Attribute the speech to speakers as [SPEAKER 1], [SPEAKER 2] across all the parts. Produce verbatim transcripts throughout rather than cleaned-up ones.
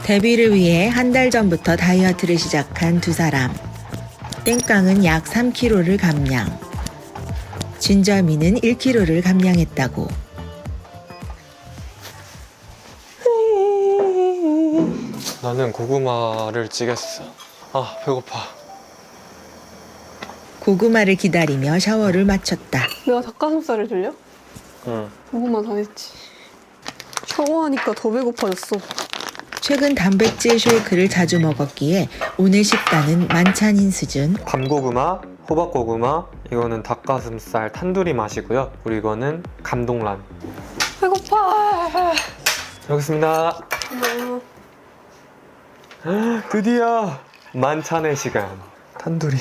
[SPEAKER 1] 데뷔를 위해 한 달 전부터 다이어트를 시작한 두 사람. 땡깡은 약 삼 킬로그램를 감량. 진절미는 일 킬로그램를 감량했다고.
[SPEAKER 2] 나는 고구마를 찌겠어. 아, 배고파.
[SPEAKER 1] 고구마를 기다리며 샤워를 마쳤다.
[SPEAKER 3] 내가 닭가슴살을 들려?
[SPEAKER 2] 응.
[SPEAKER 3] 고구마 다 했지. 샤워하니까 더 배고파졌어.
[SPEAKER 1] 최근 단백질 쉐이크를 자주 먹었기에 오늘 식단은 만찬인 수준.
[SPEAKER 2] 밤고구마, 호박고구마, 이거는 닭가슴살 탄두리 맛이고요. 그리고 이거는 감동란.
[SPEAKER 3] 배고파.
[SPEAKER 2] 여기 있습니다.
[SPEAKER 3] 음.
[SPEAKER 2] 드디어 만찬의 시간. 탄두리.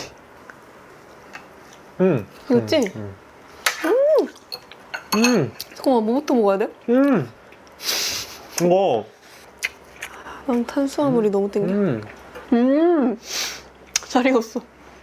[SPEAKER 2] 음.
[SPEAKER 3] 이거지?
[SPEAKER 2] 음. 음. 음.
[SPEAKER 3] 잠깐만, 뭐부터 먹어야 돼?
[SPEAKER 2] 음. 이거.
[SPEAKER 3] 난 탄수화물이 너무 땡겨.
[SPEAKER 2] 음.
[SPEAKER 3] 음. 잘 익었어.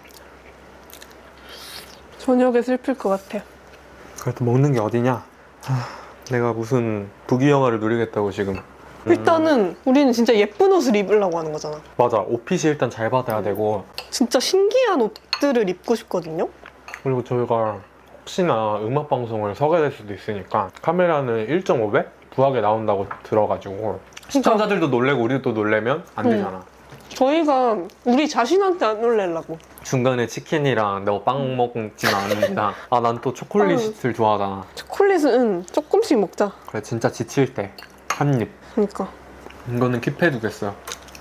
[SPEAKER 3] 저녁에 슬플 것 같아.
[SPEAKER 2] 그래도 먹는 게 어디냐? 하, 내가 무슨 부귀영화를 누리겠다고 지금. 음.
[SPEAKER 3] 일단은 우리는 진짜 예쁜 옷을 입으려고 하는 거잖아.
[SPEAKER 2] 맞아. 옷핏이 일단 잘 받아야 되고,
[SPEAKER 3] 진짜 신기한 옷들을 입고 싶거든요.
[SPEAKER 2] 그리고 저희가 혹시나 음악 방송을 서게 될 수도 있으니까 카메라는 일 점 오 배 부하게 나온다고 들어가지고 시청자들도 놀래고 우리도 또 놀래면 안 되잖아.
[SPEAKER 3] 저희가 우리 자신한테 안 놀래려고.
[SPEAKER 2] 중간에 치킨이랑 너 빵 먹지는 않는다. 아, 난 또 초콜릿을 좋아하잖아.
[SPEAKER 3] 초콜릿은 조금씩 먹자.
[SPEAKER 2] 그래, 진짜 지칠 때 한 입.
[SPEAKER 3] 그러니까.
[SPEAKER 2] 이거는 킵해두겠어요.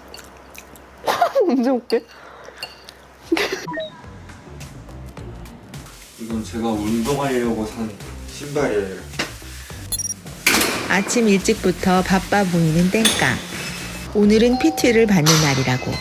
[SPEAKER 3] 언제 올게?
[SPEAKER 2] 이건 제가 운동하려고 산 신발이에요.
[SPEAKER 1] 아침 일찍부터 바빠 보이는 땡깡. 오늘은 피티를 받는 날이라고.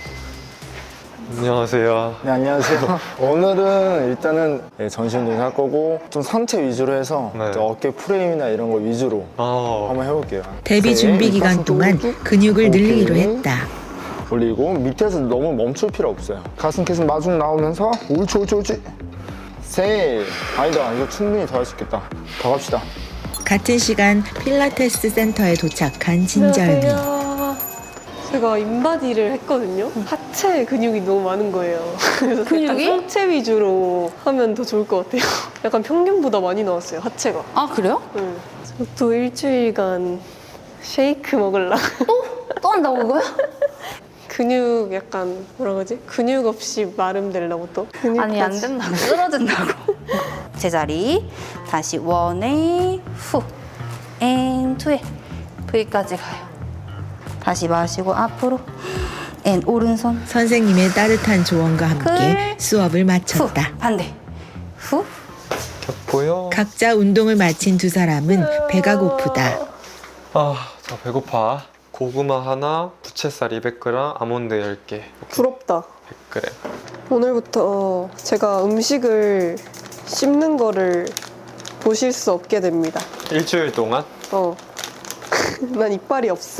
[SPEAKER 2] 안녕하세요.
[SPEAKER 4] 네, 안녕하세요. 오늘은 일단은 네, 전신 운동 할 거고 좀 상체 위주로 해서
[SPEAKER 2] 네.
[SPEAKER 4] 좀 어깨 프레임이나 이런 거 위주로
[SPEAKER 2] 아,
[SPEAKER 4] 한번 해볼게요.
[SPEAKER 1] 데뷔
[SPEAKER 4] 네,
[SPEAKER 1] 준비 기간
[SPEAKER 4] 가슴
[SPEAKER 1] 동안
[SPEAKER 4] 쪽으로 쭉
[SPEAKER 1] 근육을 늘리기로
[SPEAKER 4] 오케이.
[SPEAKER 1] 했다.
[SPEAKER 4] 올리고 밑에서 너무 멈출 필요 없어요. 가슴 계속 마중 나오면서 옳지 옳지 옳지. 셋. 아니다, 이거 충분히 더 할 수 있겠다. 더 갑시다.
[SPEAKER 1] 같은 시간 필라테스 센터에 도착한 진절미.
[SPEAKER 3] 안녕하세요. 제가 인바디를 했거든요. 하체 근육이 너무 많은 거예요. 그래서
[SPEAKER 5] 근육이?
[SPEAKER 3] 약간 상체 위주로 하면 더 좋을 것 같아요. 약간 평균보다 많이 나왔어요, 하체가.
[SPEAKER 5] 아 그래요?
[SPEAKER 3] 응. 저도 일주일간 쉐이크 먹으려고.
[SPEAKER 5] 또 한다고 그거요?
[SPEAKER 3] 근육 약간 뭐라 그러지? 근육 없이 마름 되려고 또. 근육까지.
[SPEAKER 5] 아니 안 된다고 쓰러진다고. 제자리 다시 원에 후, 앤 투에 V까지 가요. 다시 마시고 앞으로 앤 오른손
[SPEAKER 1] 선생님의 따뜻한 조언과 함께
[SPEAKER 5] 글,
[SPEAKER 1] 수업을
[SPEAKER 5] 후
[SPEAKER 1] 마쳤다.
[SPEAKER 5] 반대 후
[SPEAKER 2] 보여?
[SPEAKER 1] 각자 운동을 마친 두 사람은 배가 고프다.
[SPEAKER 2] 아, 자, 배고파. 고구마 하나, 부채살 이백 그램, 아몬드 열 개.
[SPEAKER 3] 부럽다.
[SPEAKER 2] 백 그램.
[SPEAKER 3] 오늘부터 제가 음식을 씹는 거를 보실 수 없게 됩니다.
[SPEAKER 2] 일주일 동안?
[SPEAKER 3] 어. 난 이빨이 없어.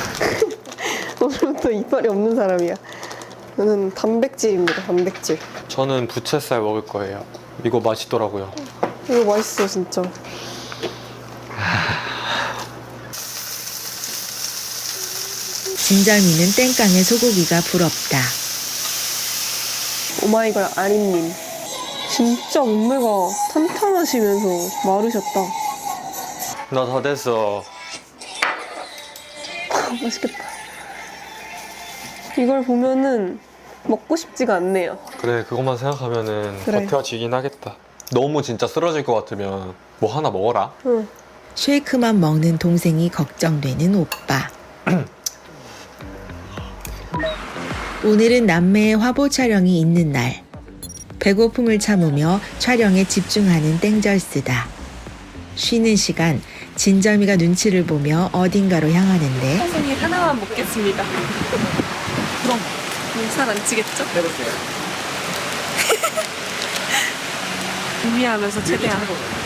[SPEAKER 3] 오늘부터 이빨이 없는 사람이야. 저는 단백질입니다, 단백질.
[SPEAKER 2] 저는 부채살 먹을 거예요. 이거 맛있더라고요.
[SPEAKER 3] 이거 맛있어, 진짜.
[SPEAKER 1] 진절미는 땡깡의 소고기가 부럽다.
[SPEAKER 3] 오마이걸 아린님. 진짜 몸매가 탄탄하시면서 마르셨다.
[SPEAKER 2] 나 다 됐어.
[SPEAKER 3] 맛있겠다. 이걸 보면은 먹고 싶지가 않네요.
[SPEAKER 2] 그래, 그것만 생각하면은
[SPEAKER 3] 그래.
[SPEAKER 2] 버텨지긴 하겠다. 너무 진짜 쓰러질 것 같으면 뭐 하나 먹어라.
[SPEAKER 3] 응.
[SPEAKER 1] 쉐이크만 먹는 동생이 걱정되는 오빠. 오늘은 남매의 화보 촬영이 있는 날. 배고픔을 참으며 촬영에 집중하는 땡절스다. 쉬는 시간 진절미가 눈치를 보며 어딘가로 향하는데
[SPEAKER 3] 선생님 하나만 먹겠습니다. 그럼 살 안 찌겠죠?
[SPEAKER 2] 해볼게요.
[SPEAKER 3] 준비하면서 최대한.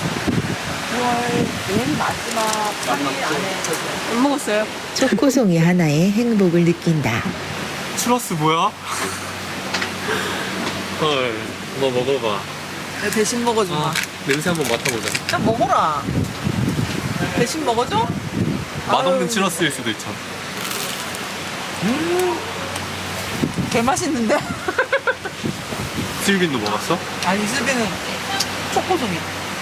[SPEAKER 5] 맨 마지막
[SPEAKER 3] 안 먹었어요.
[SPEAKER 1] 초코송이 하나에 행복을 느낀다.
[SPEAKER 2] 추러스 뭐야? 헐, 너 먹어봐.
[SPEAKER 6] 대신 먹어줘.
[SPEAKER 2] 아, 냄새 한번 맡아보자.
[SPEAKER 6] 좀 먹어라. 대신 먹어줘?
[SPEAKER 2] 맛없는 추러스일 수도 있잖아.
[SPEAKER 6] 개 맛있는데?
[SPEAKER 2] 슬빈도 먹었어?
[SPEAKER 6] 아니 슬비는 초코송이.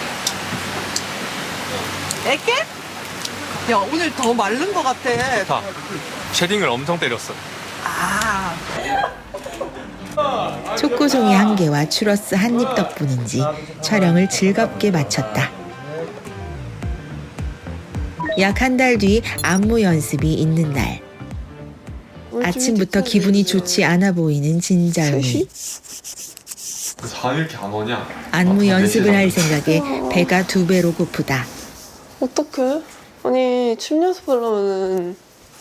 [SPEAKER 6] 애게? 야 오늘 더 마른 것 같아.
[SPEAKER 2] 자, 쉐딩을 엄청 때렸어.
[SPEAKER 6] 아.
[SPEAKER 1] 초코송이 한 개와 추러스 한 입 덕분인지 촬영을 즐겁게 마쳤다. 약 한 달 뒤 안무 연습이 있는 날. 아침부터 기분이 좋지 않아 보이는 진절미.
[SPEAKER 2] 잠이 이렇게 안 오냐?
[SPEAKER 1] 안무 연습을 할 생각에 배가 두 배로 고프다.
[SPEAKER 3] 어떡해? 아니 춤 연습을 하면은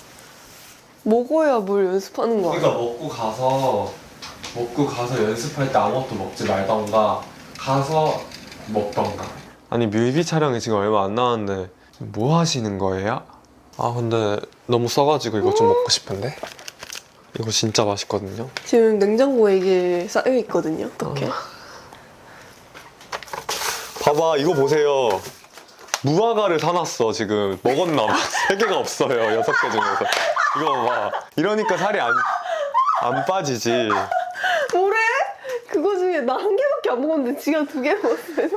[SPEAKER 3] 먹어야 뭘 연습하는 거야.
[SPEAKER 2] 그러니까 먹고 가서 먹고 가서 연습할 때 아무것도 먹지 말던가 가서 먹던가. 아니 뮤비 촬영이 지금 얼마 안 남았는데 뭐 하시는 거예요? 아 근데 너무 써가지고 이거 좀 먹고 싶은데? 이거 진짜 맛있거든요.
[SPEAKER 3] 지금 냉장고에 이게 쌓여 있거든요. 어떡해?
[SPEAKER 2] 봐봐 이거 보세요. 무화과를 사놨어 지금. 먹었나 봐. 세 개가 없어요. 여섯 개 중에서. 이거 봐. 이러니까 살이 안, 안 빠지지.
[SPEAKER 3] 뭐래? 그거 중에 나 한 개밖에 안 먹었는데 지가 두 개 먹었어요.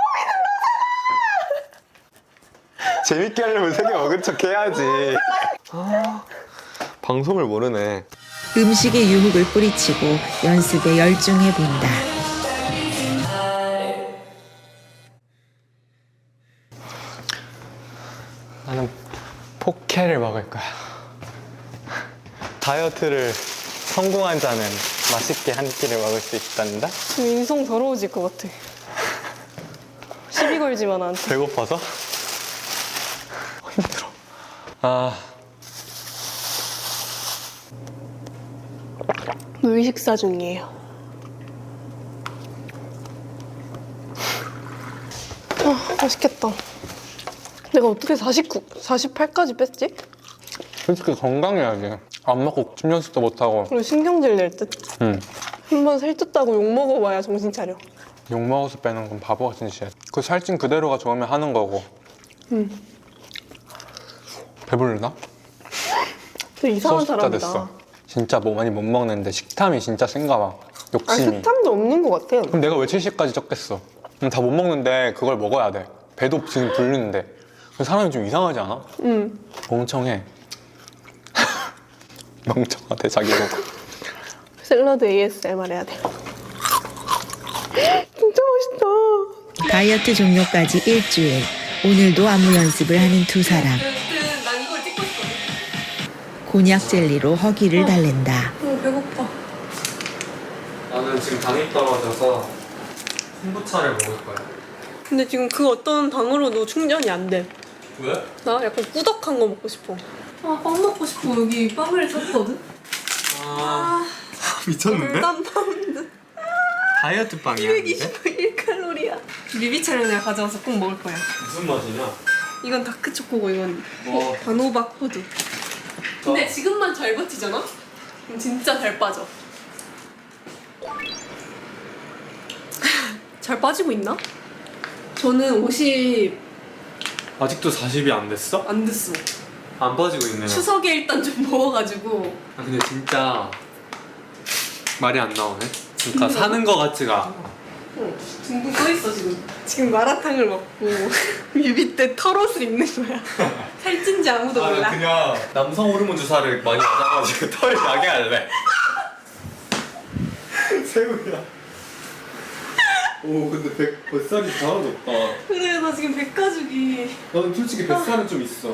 [SPEAKER 2] 재밌게 하려면 세 개 먹은 척 해야지. 아, 방송을 모르네.
[SPEAKER 1] 음식에 유혹을 뿌리치고 연습에 열중해 본다.
[SPEAKER 2] 나는 포케를 먹을 거야. 다이어트를 성공한 자는 맛있게 한 끼를 먹을 수 있단다?
[SPEAKER 3] 지금 인성 더러워질 것 같아. 시비 걸지만 나한테.
[SPEAKER 2] 배고파서? 힘들어. 아,
[SPEAKER 3] 물 식사 중이에요. 아, 맛있겠다. 내가 어떻게 사십구, 사십팔까지 뺐지?
[SPEAKER 2] 솔직히 건강해야지. 안 먹고 춤 연습도 못하고.
[SPEAKER 3] 그리고 신경질 낼 듯.
[SPEAKER 2] 응.
[SPEAKER 3] 한번 살쪘다고 욕 먹어봐야 정신 차려.
[SPEAKER 2] 욕 먹어서 빼는 건 바보 같은 짓이야. 그 살찐 그대로가 좋으면 하는 거고.
[SPEAKER 3] 응.
[SPEAKER 2] 배부르나?
[SPEAKER 3] 되게 이상한
[SPEAKER 2] 소숫자
[SPEAKER 3] 사람이다.
[SPEAKER 2] 됐어. 진짜 뭐 많이 못 먹는데 식탐이 진짜 센가 봐.
[SPEAKER 3] 아,
[SPEAKER 2] 욕심이.
[SPEAKER 3] 식탐도 없는 것 같아.
[SPEAKER 2] 그럼 내가 왜 칠십까지 쪘겠어? 다 못 먹는데 그걸 먹어야 돼. 배도 지금 부르는데. 사람이 좀 이상하지 않아?
[SPEAKER 3] 응.
[SPEAKER 2] 멍청해. 멍청하대 자기 보고.
[SPEAKER 3] 샐러드 에이에스엠알 해야 돼. 진짜 맛있다.
[SPEAKER 1] 다이어트 종료까지 일주일. 오늘도 안무 연습을 하는 두 사람. 곤약 젤리로 허기를 달랜다.
[SPEAKER 3] 어, 배고파.
[SPEAKER 2] 나는 지금 당이 떨어져서 콤부차를 먹을 거야.
[SPEAKER 3] 근데 지금 그 어떤 당으로도 충전이 안 돼.
[SPEAKER 2] 왜?
[SPEAKER 3] 나 약간 꾸덕한 거 먹고 싶어. 아, 빵 먹고 싶어. 여기 빵을 샀거든?
[SPEAKER 2] 아, 미쳤는데?
[SPEAKER 3] 일단 파운드.
[SPEAKER 2] 다이어트 빵이야.
[SPEAKER 3] 이백이십일 칼로리야. 뮤비 촬영 내가 가져와서 꼭 먹을 거야.
[SPEAKER 2] 무슨 맛이냐?
[SPEAKER 3] 이건 다크초코고 이건
[SPEAKER 2] 어.
[SPEAKER 3] 단호박 호두. 근데 지금만 잘 버티잖아? 그럼 진짜 잘 빠져. 잘 빠지고 있나? 저는 오십
[SPEAKER 2] 아직도 사십이 안 됐어?
[SPEAKER 3] 안 됐어.
[SPEAKER 2] 안 빠지고 있네.
[SPEAKER 3] 추석에 일단 좀 먹어가지고.
[SPEAKER 2] 아 근데 진짜 말이 안 나오네. 그러니까 사는 거 같지가 않아.
[SPEAKER 3] 응, 둥둥 떠있어 지금. 지금 마라탕을 먹고 뮤비 때 털옷을 입는 거야. 살찐지 아무도 몰라.
[SPEAKER 2] 그냥 남성 호르몬 주사를 많이 맞아가지고 털 나게 할래. 새우야. 오 근데 백, 뱃살이 하나도 없다.
[SPEAKER 3] 그래 나 지금 백가죽이.
[SPEAKER 2] 나는 솔직히 뱃살은 좀 있어.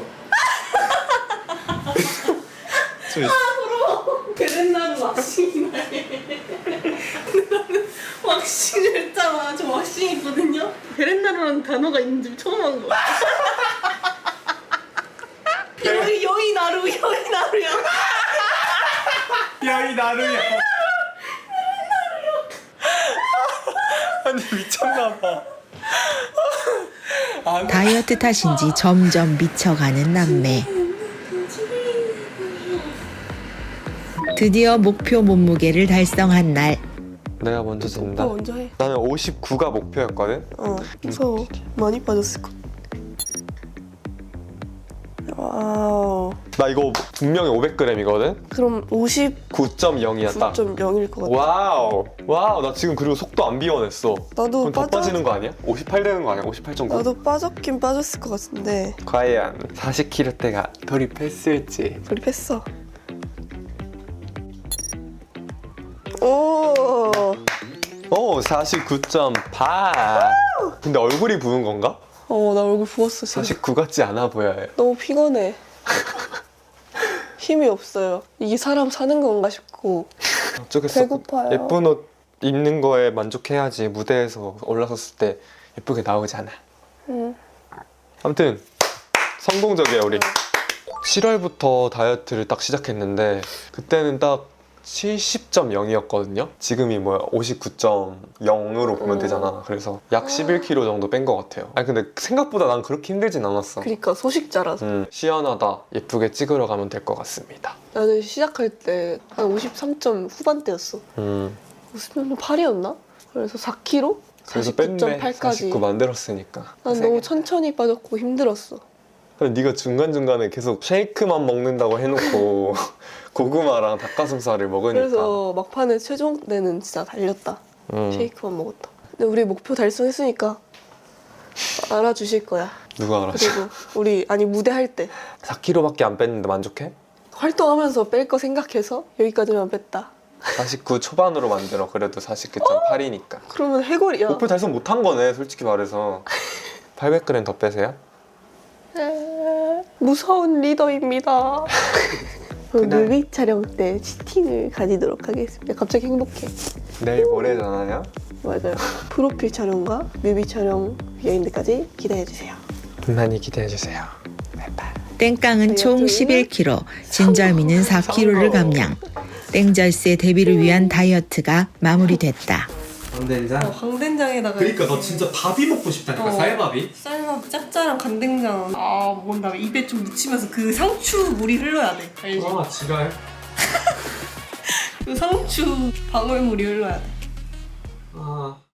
[SPEAKER 2] 좀 있어.
[SPEAKER 3] 베렌나루 왁싱이 나해. 근데 나는 왁싱을 했잖아. 저 왁싱 있거든요. 베렌나루라는 단어가 있는지 처음 한 거야. 여기 여기 나루 여기 나루야.
[SPEAKER 2] 야 이 나루야. 아니 미쳤나봐.
[SPEAKER 1] 다이어트 탓인지 점점 미쳐가는 남매. 드디어 목표 몸무게를 달성한 날.
[SPEAKER 2] 내가 먼저 진다.
[SPEAKER 3] 오빠 먼저 해.
[SPEAKER 2] 나는 오십구가 목표였거든.
[SPEAKER 3] 어. 그래서 많이 빠졌을 것. 와우.
[SPEAKER 2] 나 이거 분명히 오백 그램이거든?
[SPEAKER 3] 그럼 오십구 점
[SPEAKER 2] 구 점 영이야 딱.
[SPEAKER 3] 영일 것 같아.
[SPEAKER 2] 와우. 와우. 나 지금 그리고 속도 안 비워냈어.
[SPEAKER 3] 나도
[SPEAKER 2] 그럼 더
[SPEAKER 3] 빠져.
[SPEAKER 2] 빠지는 거 아니야? 오십팔 되는 거 아니야? 오십팔 점 구?
[SPEAKER 3] 나도 빠졌긴 빠졌을 것 같은데.
[SPEAKER 2] 과연 사십 킬로대가 돌입했을지.
[SPEAKER 3] 돌입했어. 오.
[SPEAKER 2] 오, 사십구 점 팔. 근데 얼굴이 부은 건가?
[SPEAKER 3] 어, 나 얼굴 부었어 지금.
[SPEAKER 2] 사십구 같지 않아 보여요.
[SPEAKER 3] 너무 피곤해. 힘이 없어요. 이게 사람 사는 건가 싶고.
[SPEAKER 2] 어쩌겠어.
[SPEAKER 3] 배고파요.
[SPEAKER 2] 예쁜 옷 입는 거에 만족해야지 무대에서 올라섰을 때 예쁘게 나오잖아.
[SPEAKER 3] 응.
[SPEAKER 2] 아무튼 성공적이에요 우리. 칠월부터 다이어트를 딱 시작했는데 그때는 딱 칠십 점 영이었거든요. 지금이 뭐야 오십구 점 영으로 보면
[SPEAKER 3] 음.
[SPEAKER 2] 되잖아. 그래서 약 십일 킬로그램 정도 뺀 것 같아요. 아니 근데 생각보다 난 그렇게 힘들진 않았어.
[SPEAKER 3] 그러니까 소식자라서.
[SPEAKER 2] 음, 시원하다. 예쁘게 찍으러 가면 될 것 같습니다.
[SPEAKER 3] 나는 시작할 때 한 오십삼 점 후반대였어.
[SPEAKER 2] 음,
[SPEAKER 3] 오십삼 점 팔이었나? 그래서 사 킬로그램?
[SPEAKER 2] 그래서
[SPEAKER 3] 사십구 점
[SPEAKER 2] 뺐네.
[SPEAKER 3] 팔까지.
[SPEAKER 2] 사십구 만들었으니까.
[SPEAKER 3] 난 너무 천천히 빠졌고 힘들었어.
[SPEAKER 2] 근데 네가 중간중간에 계속 쉐이크만 먹는다고 해놓고 고구마랑 닭가슴살을 먹으니까.
[SPEAKER 3] 그래서 막판에 최종 때는 진짜 달렸다.
[SPEAKER 2] 음,
[SPEAKER 3] 쉐이크만 먹었다. 근데 우리 목표 달성했으니까 알아주실 거야.
[SPEAKER 2] 누가 알았어?
[SPEAKER 3] 그리고 우리 아니 무대 할 때
[SPEAKER 2] 사 킬로그램밖에 안 뺐는데 만족해?
[SPEAKER 3] 활동하면서 뺄 거 생각해서 여기까지만 뺐다.
[SPEAKER 2] 사십구 초반으로 만들어. 그래도 사십구 점 팔이니까.
[SPEAKER 3] 그러면 해골이야.
[SPEAKER 2] 목표 달성 못한 거네 솔직히 말해서. 팔백 그램 더 빼세요?
[SPEAKER 3] 에, 무서운 리더입니다.
[SPEAKER 2] 그날-
[SPEAKER 3] 뮤비 촬영 때 치팅을 가지도록 하겠습니다. 갑자기 행복해.
[SPEAKER 2] 내일 모레잖아요.
[SPEAKER 3] 맞아요. 프로필 촬영과 뮤비 촬영 비하인드까지 기대해주세요.
[SPEAKER 2] 많이 기대해주세요.
[SPEAKER 1] 땡깡은 총
[SPEAKER 3] 다이어트
[SPEAKER 1] 십일 킬로그램, 진절미는 사 킬로그램를 감량. 땡절스의 데뷔를 위한 다이어트가 마무리됐다.
[SPEAKER 7] 강된장?
[SPEAKER 3] 강된장에다가
[SPEAKER 7] 그러니까 너 진짜 밥이 먹고 싶다니까
[SPEAKER 3] 어.
[SPEAKER 7] 쌀밥이?
[SPEAKER 3] 쌀밥 짭짤한 간된장 아 먹은 다음에 입에 좀 묻히면서 그 상추 물이 흘러야 돼. 알지?
[SPEAKER 7] 아 지랄
[SPEAKER 3] 그 상추 방울물이 흘러야 돼.
[SPEAKER 7] 아